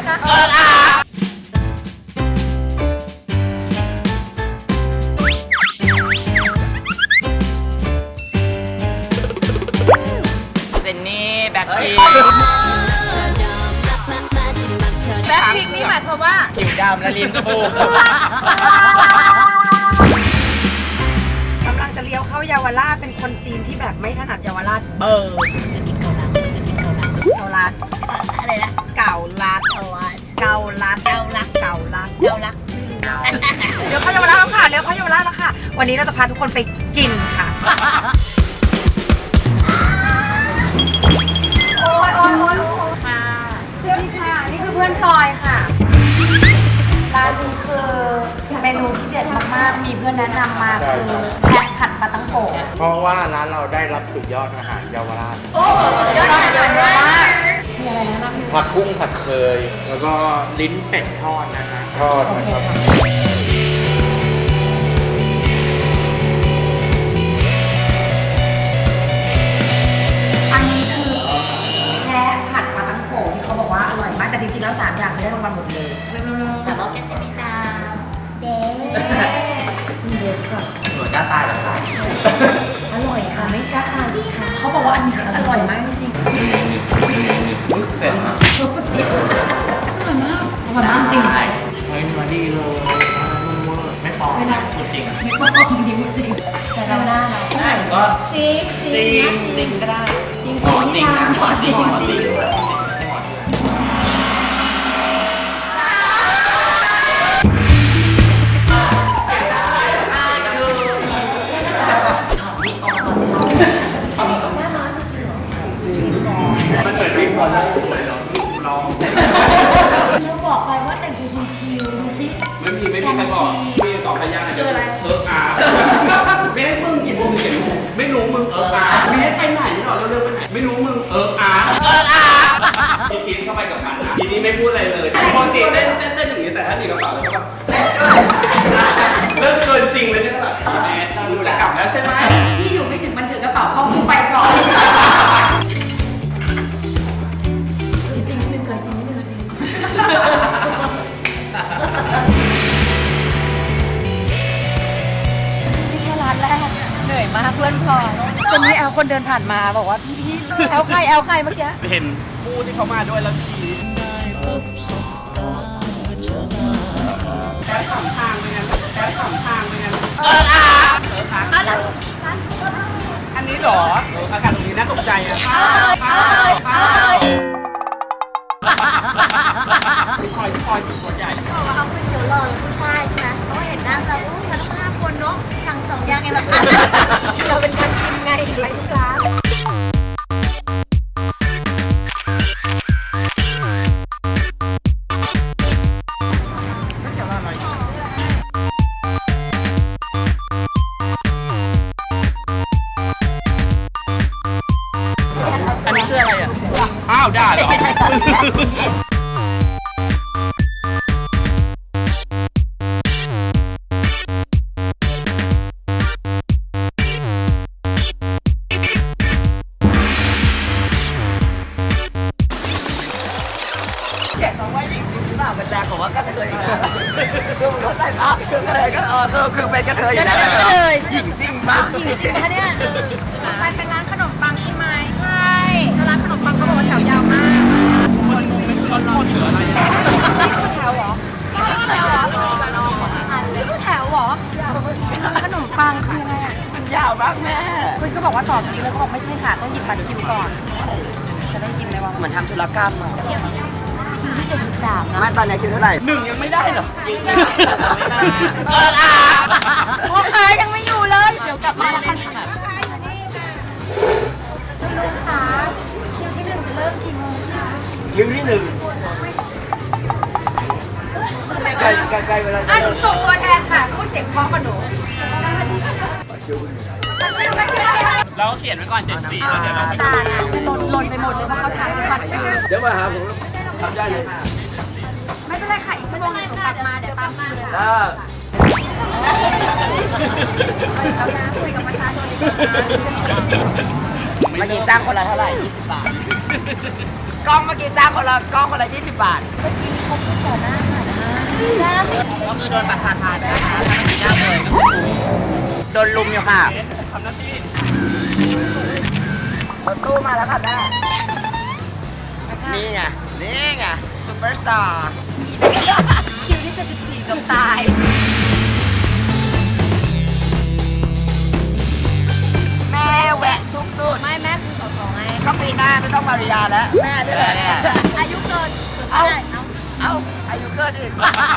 คะเจนนี่แบ็คพิงแบ็คพิงนี่หมายความว่าผิวดำและลิ้นปูกำลังจะเลี้ยวเข้าเยาวราชเป็นคนจีนที่แบบไม่ถนัดเยาวราชเบอร์จะกินเกาลัดจะกินเกาลัดเกาลัดอะไรนะเกาลัดเกาลัดเกาลัดเกาลัดเกาลัดเกาลัดเดี๋ยวเข้าเยาวราชแล้วค่ะเดี๋ยวเข้าเยาวราชแล้วค่ะวันนี้เราจะพาทุกคนไปกินค่ะโอ้ยค่ะสวัสดีค่ะนี่คือเพื่อนพลอยค่ะร้านนี้คือเมนูที่เด็ดมากๆมีเพื่อนแนะนำมาคือแพะผัดปลาตังโกะเพราะว่าร้านเราได้รับสุดยอดอาหารเยาวราชยอดอาหารเยาวราชมีอะไรนะผัดกุ้งผัดเคย แล้วก็ลิ้นเป็ดทอดนะฮะทอดนะครับอันนี้คือแพะผัดปลาตังโกะที่เขาบอกว่าอร่อยมากแต่จริงๆแล้ว3อย่างคือได้รางวัลหมดเลยเร็วๆสามารถแก้เส้นไม่ตามเด้มีเบสก่อนสวยกล้าตายเหรอคะอร่อยค่ะไม่กล้าทานสิคะเขาบอกว่าอันนี้คืออร่อยมากจริงๆมึกเป็ดนะอร่อยมากอร่อยมากจริงเฮ้ยมาดีเลยไม่ปลอมพูดจริงไม่ต้องจริงจริงแต่เราหน้าเราได้ก็จริงจริงจริงก็ได้จริงหมอจริงนะหมอจริงหมอจริงมันเหมือนวิ่งบอลเลยเหรอร้องเราบอกไปว่าแต่งตัวชิวๆดูสิไม่มีใครบอกพี่ตอบไปยากเดี๋ยวอาไม่ให้มึงกี่โมงเขียนไม่รู้มึงอาไม่ให้ไปไหนหรอเร็วๆไปไหนไม่รู้มึงอาพี่คิดเข้าไปกับมันนะทีนี้ไม่พูดอะไรเลยปกติเต้นอย่างนี้แต่ถ้าหนีกระเป๋าแล้วก็แบบเริ่มเกินจริงเลยเนี่ยแบบแม่ดูจะกลับแล้วใช่ไหมพี่อยู่ไม่ถึงมันถือกระเป๋าเข้าคู่ไปก่อนจริงนิดนึงเกินจริงนิดนึงจริงนี่แค่ร้านแรกเหนื่อยมากเพื่อนพลอยจนมีแอลคนเดินผ่านมาบอกว่าพี่แอลใครเมื่อกี้เห็นคู่ที่เขามาด้วยแล้วทีแค่สองทางเลยนะแค่สองทางเลยนะอันนี้เหรออากาศตรงนี้น่าตกใจอ่ะคอยจุดตัวใหญ่บอกว่าเขาเป็นเดี๋ยวรอผู้ชายใช่ไหมเพราะว่าเห็นหน้าเรามันต้อง5 คนเนาะสั่ง2 อย่างเองแบบเราเป็นการชิมไงไปทุกร้านอันนี้คืออะไรอ่ะอ้าวได้เหรอเป็นแรงของว่ากระเทยอีกนะคือมันใส่ภาพคือกระเทยก็คือเป็นกระเทยอยู่แล้วหญิงจริงปะหญิงจริงนะเนี่ยไปเป็นร้านขนมปังใช่ไหมใช่แล้วร้านขนมปังเขาบอกว่าแถวยาวมากมันงงไม่รู้ร้อนหรืออะไรนี่คือแถวเหรอแถวเหรอนี่คือแถวเหรอขนมปังคืออะไรอ่ะมันยาวมากแม่คุณก็บอกว่าต่อคิวแล้วก็บอกไม่ใช่ค่ะต้องหยิบบัตรคิวก่อน จะได้กินไหมวะเหมือนทำธุรกรรมอ่ะคิวที่73นะไม่ตอนนี้คิวเท่าไหร่1ยังไม่ได้เหรอโอเคยังไม่อยู่เลย เดี๋ยวกลับมาแล้วกันค่ะคุณลุงคะคิวที่1จะเริ่มกี่โมงคะคิวที่หนึ่งใกล้เวลาอ่ะหนูส่งตัวแทนค่ะพูดเสียงเพราะกับหนูเราเขียนไว้ก่อน74แล้วเดี๋ยวเราไปตาหล่นไปหมดเลยเพราะเขาทานเป็นบัตรคิวเดี๋ยวมาหาผมทำได้เลยไม่เป็นไรค่ะอีกชั่วโมงนึงหนูกลับมาเดี๋ยวตามมาเลยอ่าแล้วนะคุยกับประชาชนดีกว่าเมื่อกี้จ้างคนละเท่าไหร่20 บาท กล้องเมื่อกี้จ้างคนละ20 บาทเมื่อกี้มีเขาพูดต่อหน้าค่ะย่าไม่ก็คือโดนประสาทานนะคะถ้าไม่กินย่างเลยก็คือโดนลุมอยู่ค่ะทำหน้าที่รถตู้มาแล้วค่ะแม่นี่ไงนี่ไงซูเปอร์สตาร์คิวที่จะ14กับตายแม่แวะทุกจุดไม่แม่คือสองไงก็ปีหน้าไม่ต้องมาริยาแล้วแม่นี่แหละอายุเกินเอาได้เอาเอาอายุเกินอีก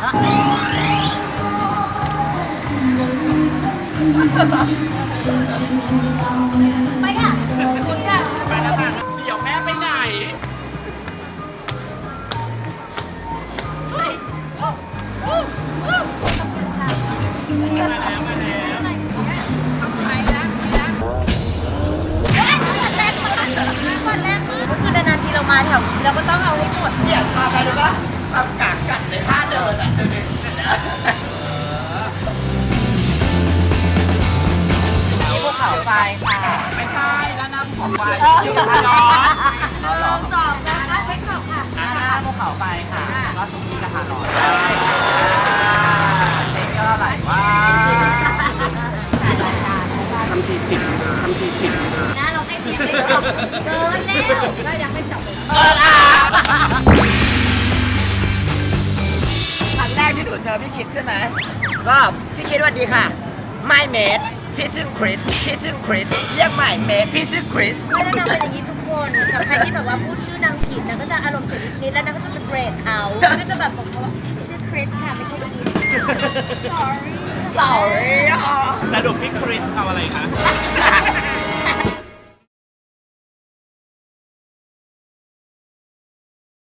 ไปค่ะคุณค่ะไปแล้วค่ะเดี๋ยวแม่ไปไหนมาแล้วมาแล้ววันแรกก็คือนานๆทีเรามาแถวนี้เราก็ต้องเอาให้หมดเนี่ยทำอะไรรู้ปะทำกากกัดในท่าเดินอ่ะดูดิภูเขาไฟค่ะไม่ใช่แล้วน้ำของไปเอออยู่ที่ร้อนสองนะคะเช็คสองค่ะหน้าภูเขาไฟค่ะแล้วก็ซุกี้กระทะร้อนเด็กก็ไหลว่าทำทีสิบทำทีสิบนะเราให้ทีมไม่จบเกินแล้วก็ยังไม่จบเลยครั้งแรกที่หนูเจอพี่คิดใช่ไหมก็พี่คิดสวัสดีค่ะไม่เมดพี่ชื่อคริสพี่ชื่อคริสเรียกใหม่เมดพี่ชื่อคริสไม่แล้วนางเป็นอย่างนี้ทุกคนกับใครที่แบบว่าพูดชื่อนางผิดนางก็จะอารมณ์เสียนิดๆแล้วนางก็จะเป็นเบรกเขาก็จะแบบบอกเขาว่าชื่อคริสค่ะไม่ใช่คิด sorry sorry อ่ะสรุปพี่คริสเอาอะไรคะเ